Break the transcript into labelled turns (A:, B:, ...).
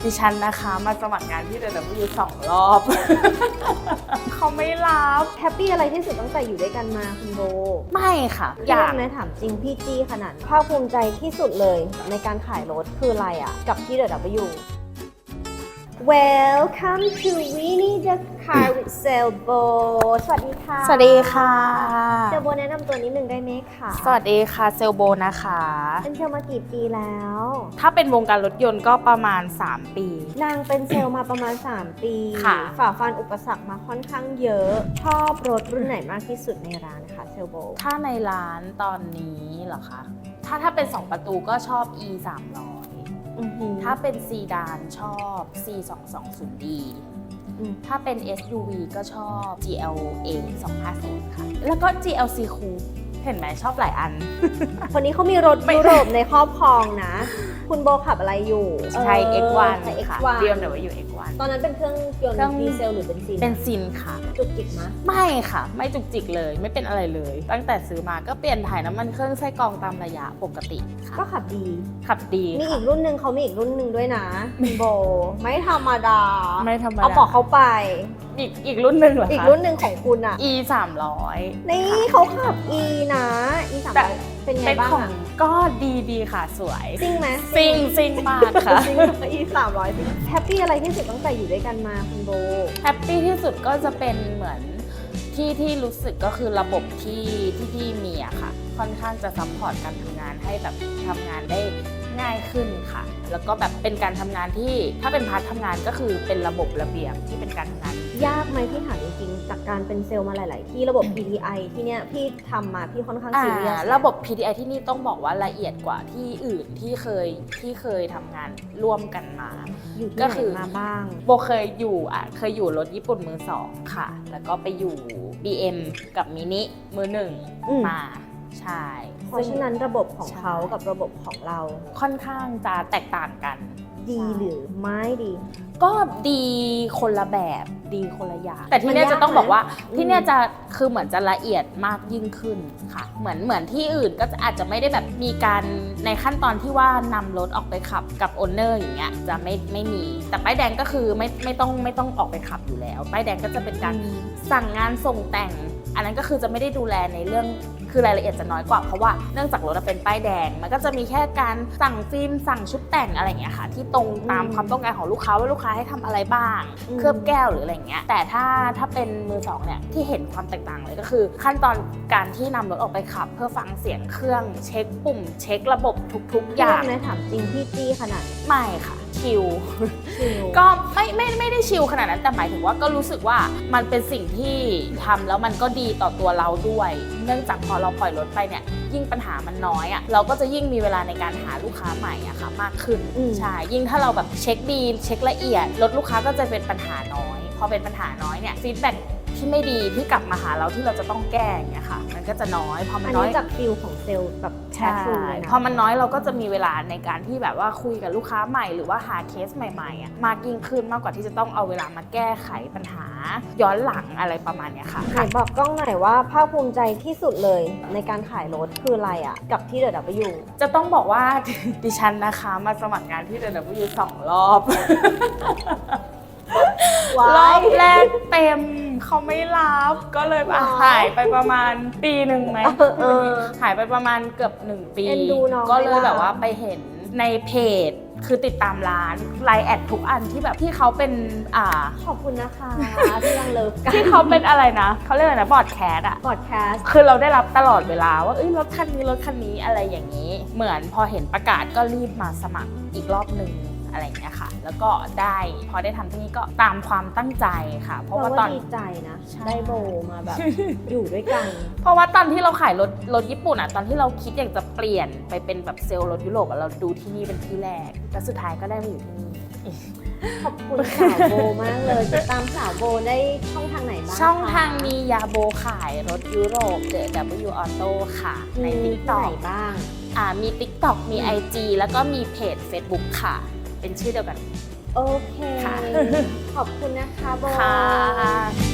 A: ดิฉันนะคะมาสมัครงานที่ DW 2 รอบ เขาไม่รับ
B: แฮปปี้อะไรที่สุดตั้งแต่อยู่ด้วยกันมาคุณโบ
A: ไม่ค่ะ
B: อยากนะถามจริงพี่จี้ขนาดภาคภูมิใจที่สุดเลยในการขายรถคืออะไรอ่ะกับที่ DW Welcome to Winnie the Car with Sailbo สวัสดีค่ะ
A: สวัสดีค่ะ
B: เซลโบแนะนำตัวนิดนึงได้ไหมคะ
A: สวัสดีค่ะเซลโบนะคะ
B: เป็นเซลมากี่ปีแล้ว
A: ถ้าเป็นวงการรถยนต์ก็ประมาณ 3 ปี
B: นางเป็นเซลมาประมาณ 3 ปี
A: ค่ะ
B: ฝ่าฟันอุปสรรคมาค่อนข้างเยอะ ชอบรถรุ่นไหนมากที่สุดในร้านคะเซลโบ
A: ถ้าในร้านตอนนี้เหรอคะ ถ้าเป็น 2 ประตูก็ชอบ E 300ถ้าเป็นซีดานชอบ C 2 2 0 D ถ้าเป็น SUV ก็ชอบ GLA 250 ค่ะ แล้วก็ GLC Coupe เห็นไหมชอบหลายอัน
B: คนนี้เขามีรถยุโรปในครอบครองนะ คุณโบขับอะไรอยู่
A: ใช้ X1
B: ใช้
A: ค่ะ
B: X1
A: BMW X1
B: ตอนนั้นเป็นเครื่องยน
A: เครื่อง
B: ต์ดีเซลหรือเบนซิน
A: เป็นซินค่ะ
B: จุกจิกมะ
A: ไม่ค่ะ ไม่จุกจิกเลย ไม่เป็นอะไรเลย ตั้งแต่ซื้อมาก็เปลี่ยนถ่ายน้ำมันเครื่องไส้กรองตามระยะปกติค่ะ
B: ก็ขับดี
A: ขับดี
B: มี
A: ค่ะ
B: อีกรุ่นหนึ่งเขามีอีกรุ่นหนึ่งด้วยนะคุณโบ ไม่ธรรมดา
A: ไม่ธรรมดา
B: เอาบอกเขาไป
A: อีกรุ่นหนึ่งเหรอคะ
B: อีกรุ่นหนึ่งของคุณอ่ะ
A: E 300
B: นี่เขาขับ E นะ E 3
A: แต่
B: 0เป็นไง
A: เป็น
B: บ้าง
A: ของ
B: อะ
A: ก็ดีค่ะสวย
B: ซิ่งไหม
A: ซิงมากค่ะ
B: ซิ่ง E 300แฮปปี้อะไรที่สุดตั้งแต่อยู่ด้วยกันมาคุณโบ
A: แฮปปี้ที่สุดก็จะเป็นเหมือนที่รู้สึกก็คือระบบที่พี่มีอะค่ะ ค่อนข้างจะซัพพอร์ตการทำงานให้แบบทำงานได้ง่ายขึ้นค่ะ แล้วก็แบบเป็นการทำงานที่ถ้าเป็นพาร์ททำงานก็คือเป็นระบบระเบียบที่เป็นการทำงาน
B: ยากไหมพี่ถามจริงๆ จากการเป็นเซลล์มาหลาย ๆ ที่ระบบ PTI ที่เนี้ยพี่ทำมาพี่ค่อนข้างซีเรียส
A: ระบบ PTI ที่นี่ต้องบอกว่าละเอียดกว่าที่อื่นที่เคยทำงานร่วมกันมา
B: อยู่ที่
A: ก็
B: ไห
A: คื
B: น
A: อ
B: มาบ้าง
A: โบเคยอยู่รถญี่ปุ่นมือสองค่ะ แล้วก็ไปอยู่ BM กับมินิมือหนึ่ง
B: อืม
A: มาใช่
B: เพราะฉะนั้นระบบของเขากับระบบของเรา
A: ค่อนข้างจะแตกต่างกัน
B: ดีหรือไม่ดี
A: ก็ดีคนละแบบดีคนละอย่างแต่ที่เนี่ย
B: มันยาก
A: จะต้องบอกว่า
B: ไหม
A: ที่เนี่ยจะคือเหมือนจะละเอียดมากยิ่งขึ้นค่ะเหมือนที่อื่นก็อาจจะไม่ได้แบบมีการในขั้นตอนที่ว่านำรถออกไปขับกับโอนเนอร์อย่างเงี้ยจะไม่มีแต่ป้ายแดงก็คือไม่ต้องออกไปขับอยู่แล้วป้ายแดงก็จะเป็นการสั่งงานส่งแต่ง อันนั้นก็คือจะไม่ได้ดูแลในเรื่องคือรายละเอียดจะน้อยกว่าเพราะว่าเนื่องจากรถเป็นป้ายแดงมันก็จะมีแค่การสั่งฟิล์มสั่งชุดแต่งอะไรอย่างเงี้ยค่ะที่ตรงตามความต้องการของลูกค้าว่าลูกค้าให้ทำอะไรบ้างเคลือบแก้วหรืออะไรอย่างเงี้ยแต่ถ้าเป็นมือสองเนี่ยที่เห็นความแตกต่างเลยก็คือขั้นตอนการที่นำรถออกไปขับ เพื่อฟังเสียงเครื่องเช็คปุ่มเช็คระบบทุกๆอย่าง
B: นะถามจริงพี่จี้ขนาด
A: ไม่ค่ะชิล
B: ชิล
A: ก็ไม่ได้ชิลขนาดนั้นแต่หมายถึงว่าก็รู้สึกว่ามันเป็นสิ่งที่ทำแล้วมันก็ดีต่อตัวเราด้วย เนื่องจากพอเราปล่อยรถไปเนี่ยยิ่งปัญหามันน้อยอ่ะเราก็จะยิ่งมีเวลาในการหาลูกค้าใหม่อะค่ะมากขึ้นใช่ยิ่งถ้าเราแบบเช็คดีเช็คละเอียดรถลูกค้าก็จะเป็นปัญหาน้อยพอเป็นปัญหาน้อยเนี่ยฟีดแบ็กที่ไม่ดีที่กลับมาหาเราที่เราจะต้องแก้อย่างเงี้ยค่ะมันก็จะน้อยพอมั
B: อั
A: น
B: น
A: น้อย
B: นี้จากฟิลของเซลล์แบบแช
A: ใช่
B: ทฟูเลยนะ
A: พอมันน้อยเราก็จะมีเวลาในการที่แบบว่าคุยกับลูกค้าใหม่หรือว่าหาเคสใหม่ๆอ่ะมากยิ่งขึ้นมากกว่าที่จะต้องเอาเวลามาแก้ไขปัญหาย้อนหลังอะไรประมาณเนี้ยค่ะ
B: ไหนบอกกล้องหน่อยว่าภาคภูมิใจที่สุดเลยในการขายรถคืออะไรอ่ะกับที่ DW
A: จะต้องบอกว่า ดิฉันนะคะมาสมัครงานที่ DW 2 รอบ รอบแรกเต็มเขาไม่รับก็เลยหายไปประมาณปีหนึ่งไหมหายไปประมาณเกือบ1 ปี
B: เอ็นดูน้อง
A: ก็เลย
B: ไม่รับ
A: แบบว่าไปเห็นในเพจคือติดตามร้านไลน์แอดทุกอันที่แบบที่เขาเป็น
B: ขอบคุณนะคะที่ยังเลิฟกัน
A: ที่เขาเป็นอะไรนะเขาเรียกอะไรนะบอร์ดแคสอะ
B: พอดแคสต์
A: คือเราได้รับตลอดเวลาว่าเอ้ยรถคันนี้อะไรอย่างนี้ เหมือนพอเห็นประกาศก็รีบมาสมัครอีกรอบหนึ่งอะไรอย่างเงี้ยค่ะแล้วก็ได้พอได้ทำที่นี่ก็ตามความตั้งใจค่ะ เพราะว่าตอน
B: ดีใจนะ
A: ใช่
B: ได้โบมาแบบ อยู่ด้วยกัน
A: เพราะว่าตอนที่เราขายรถญี่ปุ่นอ่ะตอนที่เราคิดอยากจะเปลี่ยนไปเป็นแบบเซลล์รถยุโรปอะเราดูที่นี่เป็นที่แรกแต่สุดท้ายก็ได้มาอยู่ที่นี่
B: ขอบคุณสาวโบมากเลยติดตามสาวโบได้ช่องทางไหนบ้าง
A: ช่องทาง
B: คะ
A: มียาโบขายรถยุโรป The W Auto ค่ะใน
B: มีที่ไหน
A: TikTok
B: บ้าง
A: มี TikTok มี IG แล้วก็มีเพจ Facebook ค่ะ เป็นชื่อเดียวกัน
B: โอเค
A: ค่ะ
B: ขอบคุณนะคะโบ
A: ค่ะ